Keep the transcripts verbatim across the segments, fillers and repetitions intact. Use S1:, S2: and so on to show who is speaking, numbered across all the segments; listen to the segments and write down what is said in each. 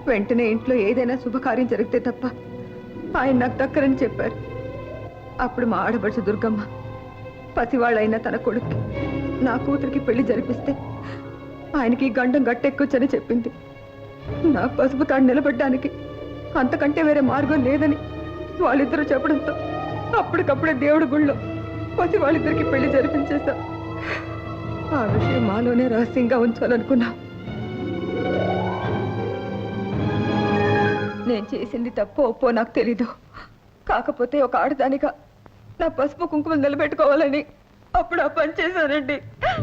S1: వెంటనే ఇంట్లో ఏదైనా శుభకార్యం జరిగితే తప్ప ఆయన నాకు దక్కరని చెప్పారు. అప్పుడు మా ఆడపడుచు దుర్గమ్మ పసివాళ్ళైన తన కొడుక్కి నా కూతురికి పెళ్లి జరిపిస్తే ఆయనకి గండం గట్టెక్కొచ్చని చెప్పింది. నా పసుపు తాడు నిలబడ్డానికి అంతకంటే వేరే మార్గం లేదని వాళ్ళిద్దరూ చెప్పడంతో అప్పటికప్పుడే దేవుడి గుళ్ళో పసి వాళ్ళిద్దరికి పెళ్లి జరిపించేశా. ఆ విషయం మాలోనే రహస్యంగా ఉంచాలనుకున్నా. నేను చేసింది తప్పో ఒప్పో నాకు తెలీదు. కాకపోతే ఒక ఆడదానిగా నా పసుపు కుంకుమలు నిలబెట్టుకోవాలని అప్పుడు ఆ పని చేశానండి.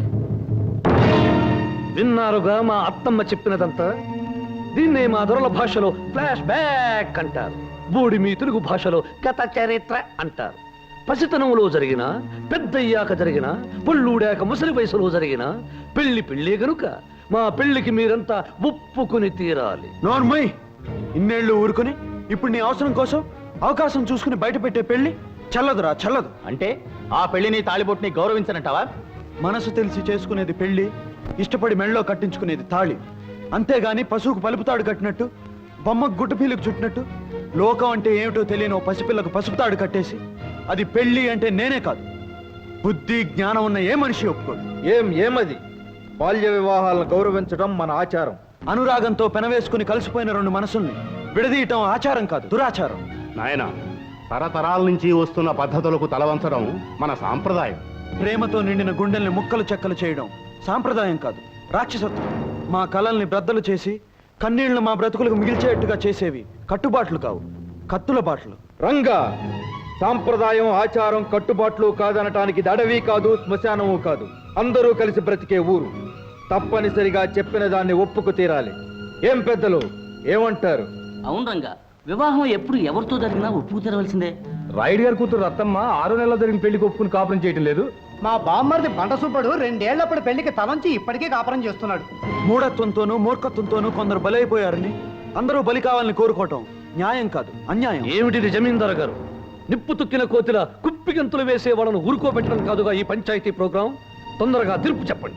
S2: విన్నారుగా మా అత్తమ్మ చెప్పినదంతా. దీన్నే మా దొరల భాషలో ఫ్లాష్ బ్యాక్ అంటారు. బూడి మీ తెలుగు భాషలో కథ చరిత్ర అంటారు. పసితనంలో జరిగిన, పెద్దయ్యాక జరిగిన, పుళ్ళూడాక ముసలి వయసులో జరిగిన పెళ్లి పెళ్లి గనుక మా పెళ్లికి మీరంతా ఒప్పుకుని తీరాలి.
S3: నోర్మయ్, ఇన్నేళ్లు ఊరుకుని ఇప్పుడు నీ అవసరం కోసం అవకాశం చూసుకుని బయట పెట్టే పెళ్లి చల్లదురా, చల్లదు.
S4: అంటే ఆ పెళ్లిని తాళిబొట్టుని గౌరవించనంటావా?
S3: మనసు తెలిసి చేసుకునేది పెళ్లి, ఇష్టపడి మెళ్ళలో కట్టించుకునేది తాళి. అంతేగాని పశువుకు పలుపుతాడు కట్టినట్టు, బొమ్మకు గుడ్డపీలకు చుట్టినట్టు లోకం అంటే ఏమిటో తెలియని ఓ పసిపిల్లకు పసుపుతాడు కట్టేసి అది పెళ్లి అంటే నేనే కాదు, బుద్ధి జ్ఞానం ఉన్న ఏ మనిషి ఒప్పుకోడు.
S5: ఏం ఏమది? బాల్య వివాహాలను గౌరవించడం మన ఆచారం.
S3: అనురాగంతో పెనవేసుకుని కలిసిపోయిన రెండు మనసుల్ని విడదీయటం ఆచారం కాదు, దురాచారం.
S6: నాయన, తరతరాల నుంచి వస్తున్న పద్ధతులకు తలవంచడం మన సాంప్రదాయం.
S3: ప్రేమతో నిండిన గుండెల్ని ముక్కలు చెక్కలు చేయడం సాంప్రదాయం కాదు, రాక్షసత్వం. మా కళల్ని బ్రద్దలు చేసి కన్నీళ్లు మా బ్రతుకులకు మిగిల్చేట్టుగా చేసేవి కట్టుబాట్లు కావు, కత్తుల బాట్లు.
S5: రంగా, సాంప్రదాయం ఆచారం కట్టుబాట్లు కాదనటానికి దడవి కాదు, శ్మశానము కాదు, అందరూ కలిసి బ్రతికే ఊరు. తప్పనిసరిగా చెప్పిన దాన్ని ఒప్పుకు తీరాలి. ఏం పెద్దలు ఏమంటారు?
S7: అవును రంగా, వివాహం ఎప్పుడు ఎవరితో జరిగినా ఒప్పుకు తెరవలసిందే.
S5: రాయుడు గారి కూతురు రత్తమ్మ ఆరు నెలల జరిగిన పెళ్లికి ఒప్పుకుని కాపురం చేయటం లేదు.
S8: మా బామ్మర్ది బండ సుబ్బడు రెండేళ్లప్పుడు పెళ్లికి తలంచి ఇప్పటికీ కాపురం చేస్తున్నాడు.
S3: మూఢత్వంతోనూ మూర్ఖత్వంతోనూ కొందరు బలైపోయారని అందరూ బలి కావాలని కోరుకోవటం న్యాయం కాదు, అన్యాయం.
S2: ఏమిటిది జమీందారు గారు? నిప్పు తుక్కిన కోతిల కుప్పిగంతులు వేసే వాళ్ళను ఊరుకోబెట్టడం కాదుగా ఈ పంచాయతీ ప్రోగ్రాం. తొందరగా తీర్పు చెప్పండి.